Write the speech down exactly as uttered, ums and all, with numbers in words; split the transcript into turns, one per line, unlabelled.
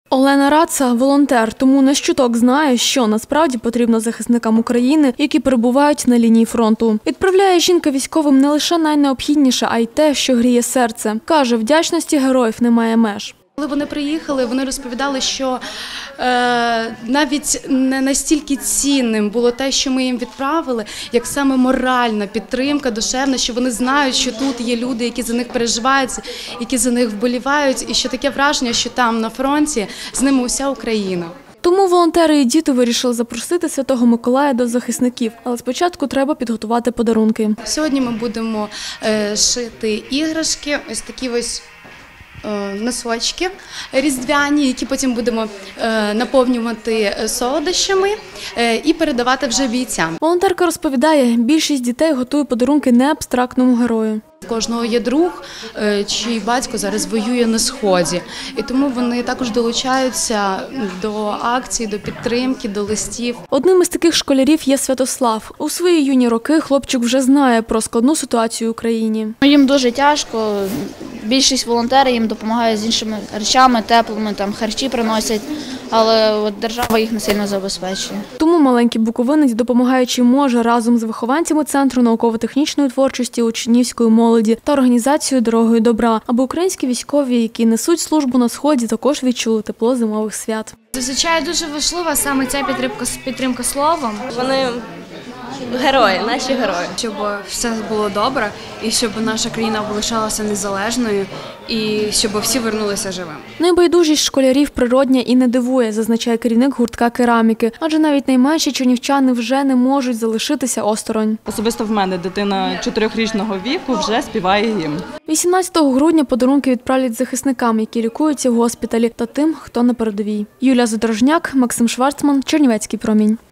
Олена Раца – волонтер, тому не щуток знає, що насправді потрібно захисникам України, які перебувають на лінії фронту. Відправляє жінка військовим не лише найнеобхідніше, а й те, що гріє серце. Каже, вдячності героїв немає меж.
Коли вони приїхали, вони розповідали, що е, навіть не настільки цінним було те, що ми їм відправили, як саме моральна підтримка, душевна, що вони знають, що тут є люди, які за них переживають, які за них вболівають, і що таке враження, що там на фронті з ними уся Україна.
Тому волонтери і діти вирішили запросити Святого Миколая до захисників, але спочатку треба підготувати подарунки.
Сьогодні ми будемо е, шити іграшки, ось такі ось носочки різдвяні, які потім будемо наповнювати солодощами і передавати вже бійцям.
Волонтерка розповідає, більшість дітей готує подарунки не абстрактному герою.
У кожного є друг, чий батько зараз воює на Сході. І тому вони також долучаються до акцій, до підтримки, до листів.
Одним із таких школярів є Святослав. У свої юні роки хлопчик вже знає про складну ситуацію в Україні.
Їм дуже тяжко. Більшість волонтерів їм допомагає з іншими речами, теплими, там харчі приносять, але от держава їх не сильно забезпечує.
Тому маленький буковинець, допомагаючи може, разом з вихованцями Центру науково-технічної творчості учнівської молоді та організацією «Дорогою добра», аби українські військові, які несуть службу на Сході, також відчули тепло зимових свят.
Зазвичай дуже важлива саме ця підтримка, підтримка словом.
Вони герої, наші герої.
Щоб все було добре і щоб наша країна залишалася незалежною і щоб всі вернулися живими.
Найбайдужість школярів природня і не дивує, зазначає керівник гуртка кераміки. Адже навіть найменші чернівчани вже не можуть залишитися осторонь.
Особисто в мене дитина чотирьохрічного віку вже співає гімн.
вісімнадцятого грудня подарунки відправлять захисникам, які лікуються в госпіталі, та тим, хто на передовій. Юлія Задорожняк, Максим Шварцман, Чернівецький промінь.